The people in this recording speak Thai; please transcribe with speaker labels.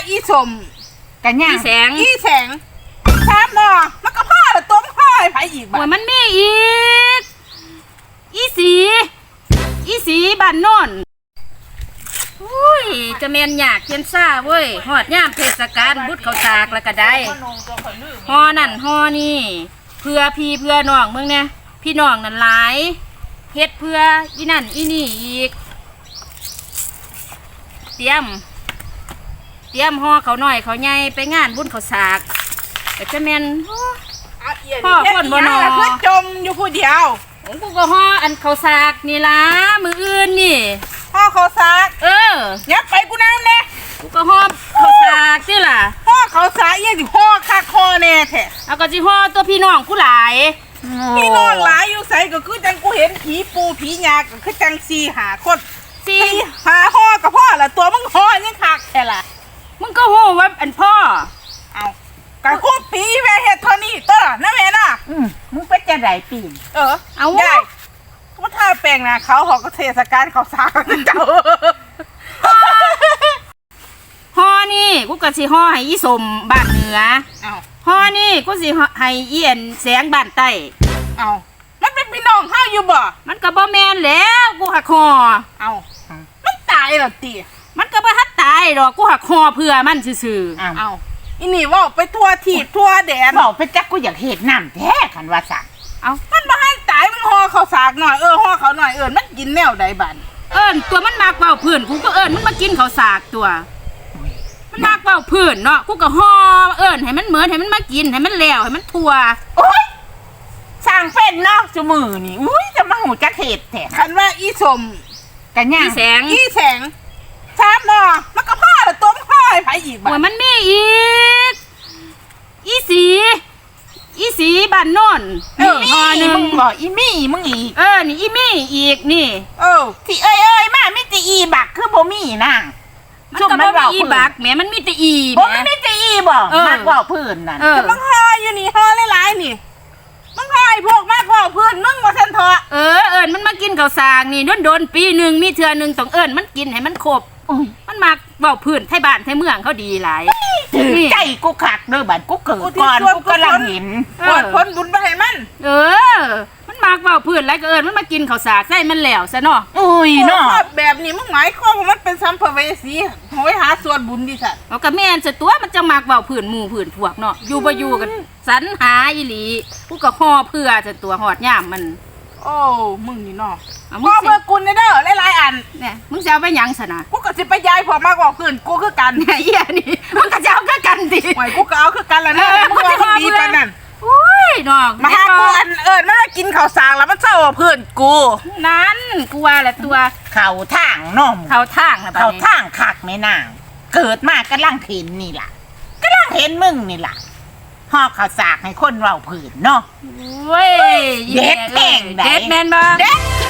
Speaker 1: อีสม
Speaker 2: กันย่าง
Speaker 1: อีแสงแซมเนาะมันก็พ่อละตัวมันพ่อไอ้ไผอีกบ้า
Speaker 3: มันมีอีกอีสีบ้านโน่นอุ้ยจะแมนอยากเขียนซ่าเว้ยหอดย่ามเทศกาลบุตรเขาสากแล้วก็ได้ฮอนั่นฮอนี่เพื่อพี่เพื่อน้องเมืองเนี่ยพี่น้องนั่นหลายเฮ็ดเพื่ออีนั่นอีนี่อีกเตรียมฮอเขาหน่อยเขาใหญ่ไปงานบุญเขาสากแต่จะแมน
Speaker 1: พ่อคนบ่นอคือจมอยู่ผู้เดียว
Speaker 3: กูก็ฮออันเขาสากนี่ล่ะมืออื่นนี่
Speaker 1: พ่อเขาสากยับไปกูน้ำแน่
Speaker 3: กูก็ฮอเขาสากสิล่ะ
Speaker 1: พ่อเขาสากยังสิพ่อคักคอแน่แท้
Speaker 3: เอาก็สิฮอตัวพี่น้องกูหลาย
Speaker 1: พี่น้องหลายอยู่ใส่ก็คือจังกูเห็นผีปูผียาก็คือจัง4-5 คน4-5ห่อกับพ่อละตัวมึงห่อยังคักแท้ล่ะ
Speaker 3: มึงก็ฮู้ว่าอันพ่อ
Speaker 1: เอากะคุบปีแม่เฮ็ดเท่านี้ตัวนะแม่น่ะ
Speaker 2: มึงเป็นจะไหนปี
Speaker 1: เอาได้เขาทาแป้งนะเขาหอกเทศกาลเขาสากเจ้า
Speaker 3: ห่อนี่กูก็สิห่อให้อีสมบ้านเหนือห่อนี่กูสิให้เอียนแสงบ้านใต้
Speaker 1: เอามันเป็นพี่น้องเฮาอยู่บ่
Speaker 3: มันก็บ่แม่นแล้วกูหักห่อ
Speaker 1: เอามันตายแล้วติ
Speaker 3: มันก็บ่ทันตายดอกกูหักห่อเพื่อมันซื่อ
Speaker 1: ๆเอาอีนี่ว่าไปทั่วทีบทั่วแดน
Speaker 2: บอกไปจักกูอยากเห็ดน้ำแท้ขันว่าสัก
Speaker 1: เอามันบ่ทันตายมันห่อเขาสากหน่อยห่อเขาหน่อยมันกินแนวใดบัด
Speaker 3: ตัวมันมากเว้าเพื่อนกูก็มันมากินเขาสากตัวมันมากเว้าเพื่อนเนาะกูก็ห่อให้มันเหมือนให้มันมากินให้มันแล้วให้มันทั่ว
Speaker 2: โอ๊ยสร้างเป็นเนาะจุมือนี่อุ้ยจะมาหูจักเห็ดแท้
Speaker 1: คันว่าอีสม
Speaker 2: กันย่าง
Speaker 1: อีแสงแซมเนาะมันก็พ่อละตัวมันพ่อไอ้ไผอีกบ้า
Speaker 3: มันมีอีกอีสีบ้านโน่น
Speaker 2: ฮอนี่มึงบอกอีมี่มึงอีก
Speaker 3: นี่อีมี่อีกนี่
Speaker 2: ที่มาไม่ตีอีบักคือบ่มีนั่ง
Speaker 3: มันก็บ่มีอีบักแหมมันมีแต่อี
Speaker 2: บ่มันมีแต่อีบ่มากกว่าพื้นนั่น
Speaker 1: แต่มึงห่ออยู่นี่ห่อหลายๆนี่มึงห่อไอ้พวกมากกว่าพื้นมึงว่าซั่นเถอะ
Speaker 3: มันมากินข้าวสากนี่โดนปีนึงมีเทื่อนึงต้องมันกินให้มันครบมันมากเว้าพื้นไทบ้านไทเมืองเขาดีหลาย
Speaker 2: ใจกูคักเด้อบัดกูเกิดก่อนกูกำลังเห็น
Speaker 1: ผลบุญไปให้มัน
Speaker 3: มันมากเว้าพื้นแล้วก็มันมากินข้าวสากใส่มันแล้วซะเนาะ
Speaker 2: อุ้ยเนาะ
Speaker 1: แบบนี้มึงหมายความว่ามันเป็นสัมภเวสีโหยหาส่วนบุญดิสัตว์
Speaker 3: เอาก็แม่นซะตัวมันจะมากเว้าพื้นหมู่พื้นพวกเนาะอยู่บ่อยู่กันสรรหาอีหลีกูก็ห่อเพื่อซะตัวหอดยามมัน
Speaker 1: โอ้มึงนี่เนาะพ่อเพื่อกุลเด้อหลายๆอัน
Speaker 3: เนี่ยมึงจะเอาไปยังซะนะ
Speaker 1: กูก็สิไปย้ายพอมากกว่าพื้นกูคือกัน
Speaker 3: เนี่ยอีนี่มึงก็จะเอาคือกันดิ
Speaker 1: หวยกูก็เอาคือกันแล้วนะมึงว่ามึงดีปานนั้น
Speaker 3: อุ้ยน้อง
Speaker 1: มาหากูมันมากินข้าวสากแล้วมันเศร้าเพื่อนกู
Speaker 3: นั้นกูว่าแหละตัว
Speaker 2: เข่าทางน้อง
Speaker 3: เข่าทางนะ
Speaker 2: เข่าทางคักไม่นางเกิดมากกำลังเห็นนี่ล่ะกำลังเห็นมึงนี่ล่ะห่อข้าวสากให้คนเราผืนเนาะ
Speaker 3: เว้ย
Speaker 2: เด็ดแม่ง
Speaker 3: เด็ดแม่นบ่
Speaker 2: เด็ด